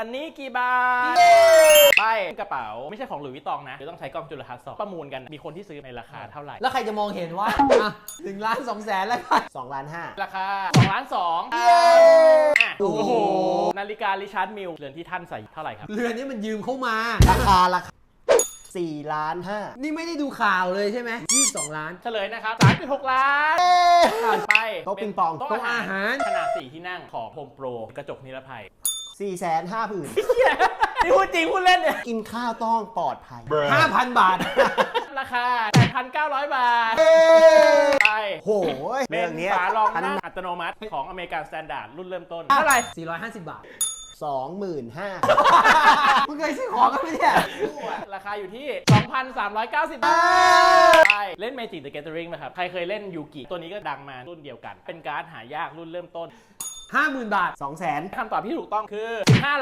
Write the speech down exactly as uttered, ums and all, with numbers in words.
อันนี้กี่บาทไปกระเป๋าไม่ใช่ของหลุยส์วิตตองนะเดี๋ยวต้องใช้กล้องจุลทรรศน์สองประมูลกันมีคนที่ซื้อในราคาเท่าไหร่แล้วใครจะมองเห็นว่าอ่ะหนึ่งล้านสองแสนแล้วกันสองล้านห้าราคาสองล้านสองโอ้โหนาฬิการิชาร์ดมิลเรือนที่ท่านใส่เท่าไหร่ครับเรือนนี้มันยืมเข้ามาราคาราคาสี่ล้านห้านี่ไม่ได้ดูข่าวเลยใช่ไหมยี่สิบสองล้านเฉลยนะครับ สามจุดหก ล้านผ่านไปโต๊ะปิงปองโต๊ะอาหารขนาดสี่ที่นั่งของโฮมโปรกระจกนิรภัยสี่แสนห้าผืนนี่พูดจริงพูดเล่นเนี่ยกินข้าวต้องปลอดภัยห้าพัน บาทราคา แปดพันเก้าร้อย บาทไปโหเป็เรื่อน งนี้ฝารองนั่งอัตโนมัติของอเมริกันสแตนดาร์ดรุ่นเริ่มต้นเท่าไหร่สี่ร้อยห้าสิบบาทสองหมื่นห้ามึงเคยซื้อของกันไหมเนี่ยราคาอยู่ที่ สองพันสามร้อยเก้าสิบ บาทไปเล่น Magic the Gathering ไหมครับใครเคยเล่นยูกิตัวนี้ก็ดังมารุ่นเดียวกันเป็นการ์ดหายากรุ่นเริ่มต้นห้าหมื่น บาทสองแสนคำตอบที่ถูกต้องคือห้า